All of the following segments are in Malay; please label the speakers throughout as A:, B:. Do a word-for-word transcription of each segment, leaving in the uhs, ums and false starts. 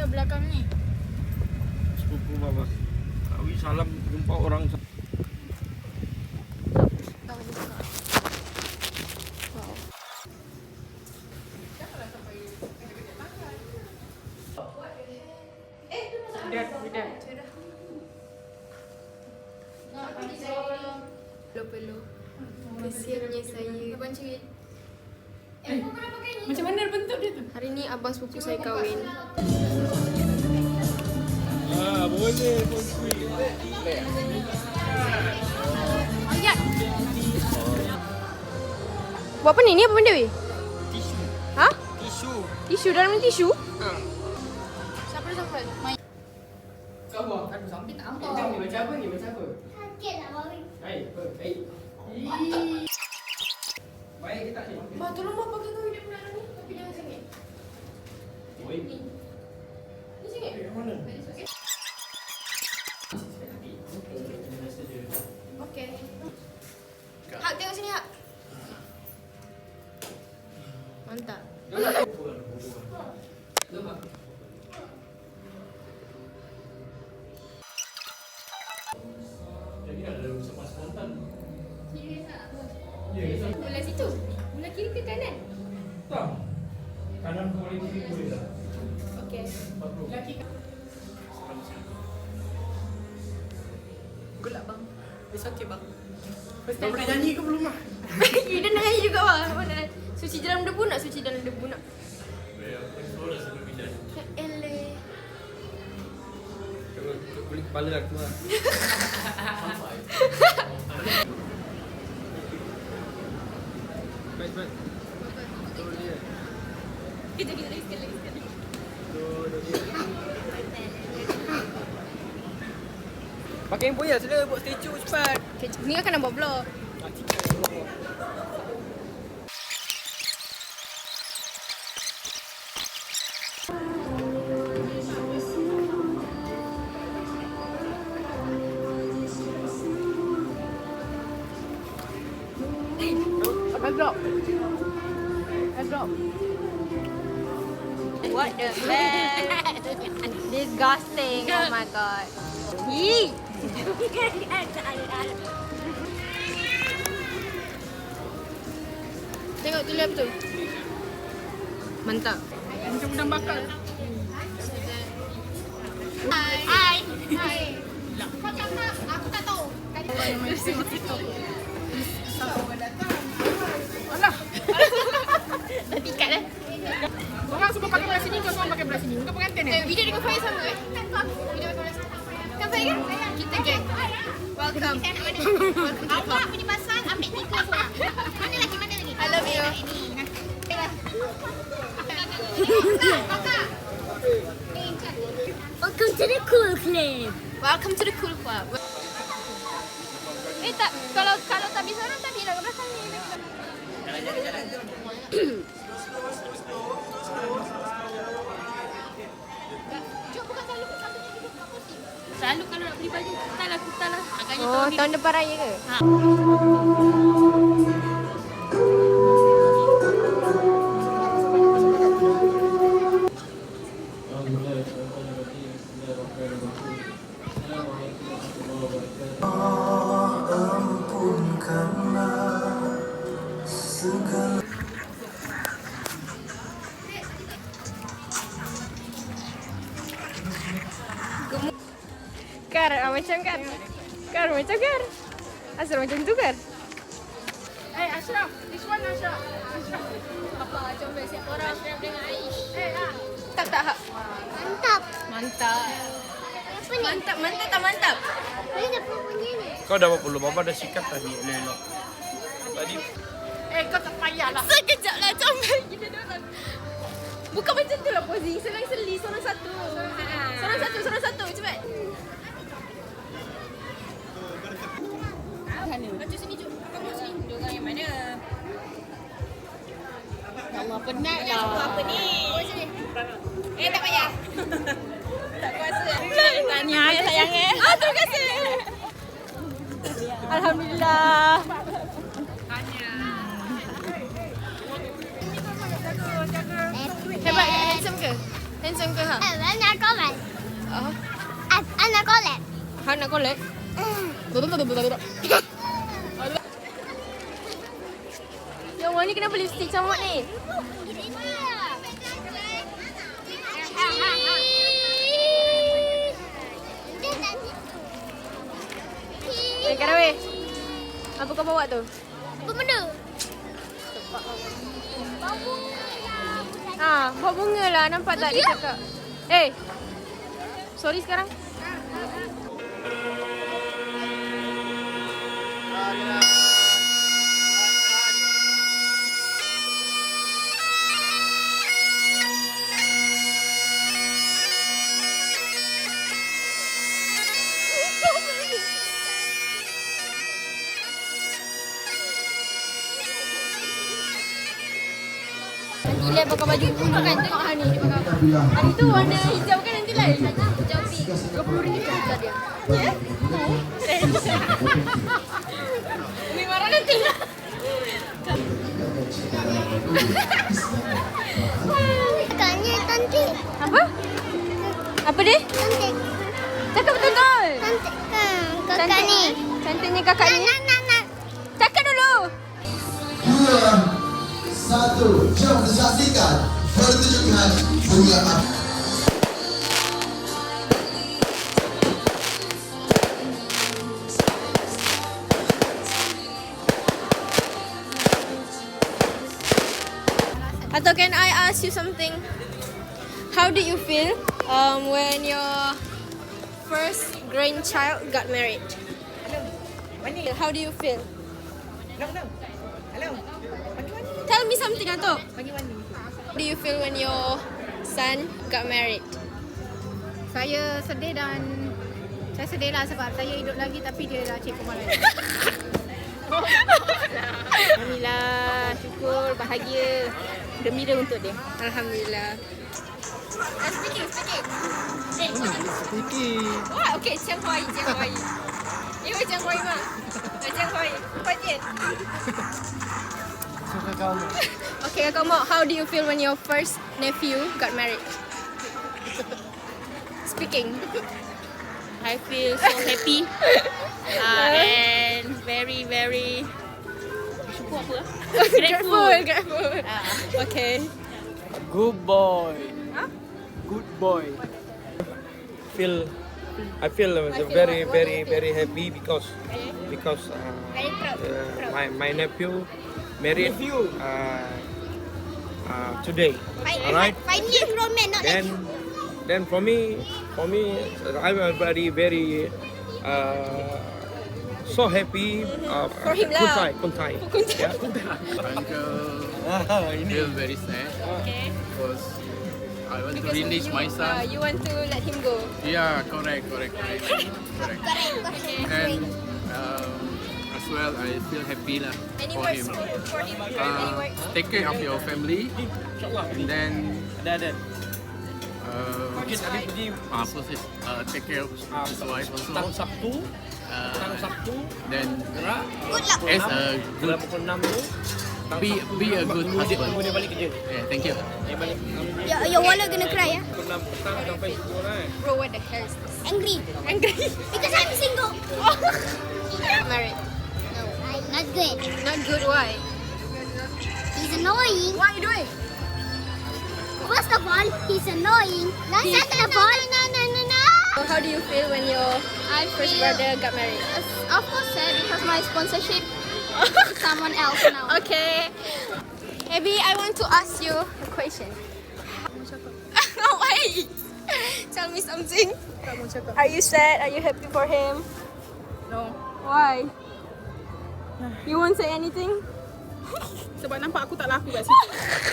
A: belakang ni.
B: Sepupu bapa. Awi salam jumpa orang.
A: Tahu buka. Wow.
B: Lihat, lihat.
A: Perlu-perlu. Kesiannya saya. Abang cerit.
C: Macam mana bentuk dia tu?
A: Hari ni abang sepupu saya kahwin.
B: Ah, boleh, boleh.
A: Ayat. Buat apa ni? Ni apa benda weh?
B: Tisu.
A: Ha?
B: Tisu.
A: Tisu dalam ni tisu?
B: Ha.
A: Siapa dia sampai? Main.
C: Kau buat kan sampai tak nampak. Macam ni macam apa ni? Macam apa?
D: Sakit tak babi.
C: Hai, apa? Hai. Baik ke tak ni?
A: Ma, tolong ma pakai kau hidup bulan ni. Tapi jangan sengit.
C: Oi.
A: Ni. Ni sengit.
C: Yang mana?
A: Okey. Hak tengok sini Hak. Mantap.
C: Jadi ada semua spontan.
A: Serius ah?
C: Ya, ya.
A: Belah situ. Belah kiri ke kanan?
C: Tak. Kanan boleh kiri boleh tak?
A: Okey.
C: Laki
A: Gelap bang.
C: It's okay bang. Kau boleh nyanyi ke belum ah?
A: You dah nak nyanyi juga bang. Mana? Suci dalam debu nak? Suci dalam debu nak?
C: Ya, suara sebelum bidan.
A: Ya eleh.
B: Kulit kepala aku lah. Baik, baik. Betul dia.
A: Kita kita lagi sekali lagi sekali.
B: Betul dia. Pakai yang poya sila buat statue cepat.
A: Okay, ni akan nak buat vlog. Airdrop. Airdrop. What the heck? Disgusting. Oh my god. Yee. Tengok tu lap tu. Mantap.
C: Macam udang bakar.
A: Hai. Hai.
D: Hai. Kau cakap, aku tak tahu. Tadi
C: Alah.
A: Dah tikat dah.
C: Orang semua pakai belah sini, kau semua pakai belah sini. Kau pengantin
A: Eh,
C: eh?
A: video dengan Faiz sama eh?
D: kan tu aku.
A: Video dengan Faiz. Kan Faiz kan? Kita geng. Welcome.
D: Awak punya pasal ambil tiga seorang. Mana lagi, mana lagi?
A: I love you.
D: Ini. Kakak. Eh, kan.
A: Welcome to the cool club. Welcome to the cool club. Eh tak, kalau kalau tak bisa orang tak bilang ke belakang ni.
C: Jalan, jalan, jalan.
D: Jom bukan selalu satu ni duduk kat kursi.
A: Selalu kalau nak beli baju, kutal lah, kutal lah. Agaknya oh, tahun, tahun depan raya ke? Ha. Kar, ah, macam Kar. Kar, macam Kar. Asal macam tu Kar.
C: Eh, Ashraf. This one Ashraf. Ashraf.
A: Apa macam siap orang dengan Aish.
C: Eh, ah.
A: Tak tak hak.
D: Mantap.
A: Mantap.
D: Apa ni?
A: Mantap, mantap tak mantap?
D: Ini dah punya ni.
B: Kau dah berapa belum? Bapa dah sikat tadi elok-elok. Tadi
C: Eh, kau tak payahlah.
A: Sekejap lah, comel gila dia orang. Bukan macam tu lah posing. Selang-seli, seorang satu. Seorang satu, seorang satu. Cepat. Mana? Macam sini, jom. Kau mau sini. Dia orang yang mana? Ya Allah, penat lah. Apa ni? Eh, tak payah. Tak kuasa. Tahniah ya sayang eh. Ah, terima kasih. Alhamdulillah. Hebat ke? Handsome ke? Vincent ke ha?
D: Eh, nak collect.
A: Ah,
D: Ah, nak collect.
A: ha nak collect? Yang warna ni kenapa lipstick comot ni? Eh, Karawi. Apa kau bawa tu?
D: Apa benda?
A: Ah, bawa bunga lah. Nampak tak dia cakap? Eh. Sorry sekarang. Gila pakai baju biru kan. Tengok Hani dia pakai apa. Hani tu warna hijau kan nanti lain. Hijau pink. dua puluh ringgit harga dia. Ya? Umi marah nanti.
D: Kakaknya cantik.
A: Apa? Apa dia?
D: Cantik.
A: Cakap betul-betul.
D: Cantik. Hmm, kakak ni.
A: Cantiknya kakak ni.
D: Nak, nak, nak.
A: Cakap dulu.
E: Dua, satu, jom disaksikan pertunjukan bunga api.
A: Atau can I ask you something? How did you feel um, when your first grandchild got married? How do you feel? Tell me something, Ato. How do you feel when your son got married?
F: Saya sedih dan saya sedih lah sebab saya hidup lagi tapi dia dah cikgu malam. Alhamdulillah, syukur, bahagia, gembira untuk dia.
A: Alhamdulillah. Uh, speaking, speaking. Eh,
B: Speaking.
A: Wah, okay, 江华语，江华语。你会江华语吗？来，江华语，快点。 Okay, Kak Mok, how do you feel when your first nephew got married? Speaking.
F: I feel so happy uh, and very very syukur apa?
A: Grateful, grateful. Okay.
B: Good boy.
A: Huh?
B: Good boy. Feel, I feel uh, very, very, very happy because because uh,
D: Very proud.
B: uh, my my nephew married uh, uh, today. Alright.
D: Finally grown man, not like
B: Then then for me for me I'm very very uh, so happy. Uh,
A: For him lah.
B: Kuntai, kuntai. Yeah.
G: Uncle feel very sad
A: Okay.
G: because I want to
A: Because
G: release
A: you,
G: my
A: Uh,
G: son.
A: you want to let him go.
G: Yeah, correct, correct, correct, correct.
D: correct, correct.
G: And um, as well, I feel happy lah
A: Any
G: for
A: words
G: him.
A: for, for him? Any
G: Uh,
A: words?
G: take care of your family, and then
B: Ada ada.
G: uh,
B: Mungkin habis pergi
G: ah, proses, uh, take care of
B: ah,
G: his wife also.
B: petang Sabtu, petang
G: Uh,
B: Sabtu
G: then
B: gerak.
D: Good luck.
G: as a
B: Dalam
G: good,
B: pukul enam tu. petang
G: be
B: Sabtu
G: be a
B: tu,
G: good
B: baru dia-
G: husband.
B: baru dia balik kerja.
G: Yeah, thank you.
B: Dia balik
D: Your, your wallet gonna cry, ya?
B: pukul enam petang sampai pukul eh.
A: Bro, what the hell is this?
D: Angry.
A: Angry.
D: Because I'm single.
A: Married.
D: No, not good.
A: Not good, why?
D: He's annoying.
A: What are you doing?
D: First of all, he's annoying. Second of all, no, no, no, no.
A: So how do you feel when your
D: I
A: first
D: feel,
A: brother got married?
D: of course, sad because my sponsorship someone else now.
A: Okay. Abby, I want to ask you a question. Why? Tell me something. Are you sad? Are you happy for him?
F: No.
A: Why? You won't say anything?
F: Sebab nampak aku tak laku kat situ.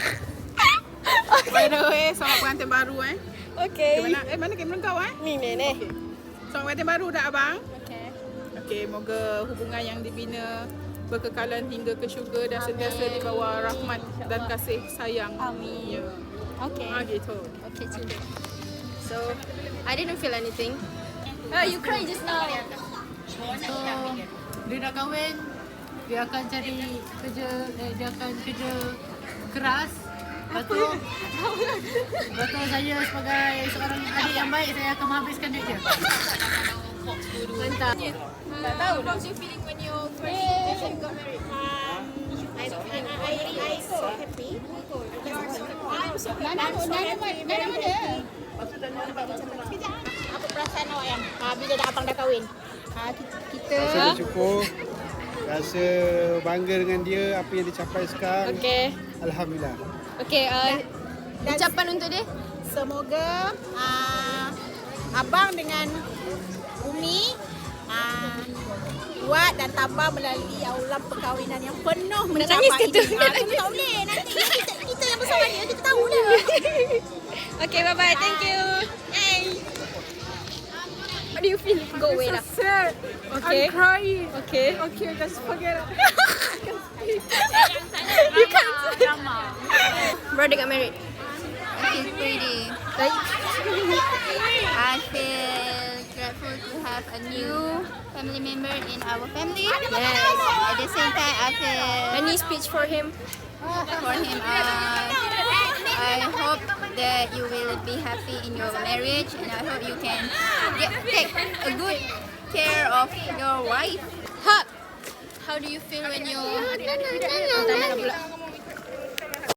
F: By the way, selamat pengantin baru eh.
A: Okay.
F: Okay, mana, eh mana kamera kau eh?
A: Ni ni ni.
F: Selamat pengantin baru dah abang.
A: Okay.
F: Okey, moga hubungan yang dibina berkekalan hingga ke syurga dan sentiasa di bawah rahmat dan kasih sayang.
A: Amin.
F: Ya.
A: Okay.
F: Ah gitu.
A: Okay, chill. So, I didn't feel anything. Oh, you cried just now.
H: So, dia dah kahwin, dia akan cari kerja, eh, dia akan kerja keras Betul. Betul, saya sebagai seorang adik yang baik, saya akan menghabiskan duit dia.
A: Mantap. Tak tahu. How's you feeling when you first got married? I, I, I, I so happy. I'm so happy. I'm so happy.
I: Apa perasaan awak yang ha, bila dah abang dah kahwin? Ha, kita
J: Rasa bersyukur, rasa bangga dengan dia, apa yang dicapai sekarang.
A: Okay.
J: Alhamdulillah.
A: Okay, uh, ucapan untuk dia?
I: semoga uh, abang dengan Umi uh, buat dan tabah melalui aulam perkahwinan yang penuh mencapai
A: nangis ke tu?
I: ini. Ah, tu tak boleh. Nanti kita, kita yang bersama dia, kita tahu dah.
A: Okay, bye-bye. Thank you. Hey. How do you feel? Go away lah.
F: Sad.
A: Okay.
F: I'm crying.
A: Okay.
F: Okay, just forget it.
A: You can't say. Brother got married.
K: It's pretty.
A: Like,
K: I feel grateful to have a new family member in our family.
A: yes.
K: At the same time, I feel
A: Any speech for him?
K: for him. Uh, I hope that you will be happy in your marriage, and I hope you can get, take a good care of your wife.
A: Hug. How do you feel when you?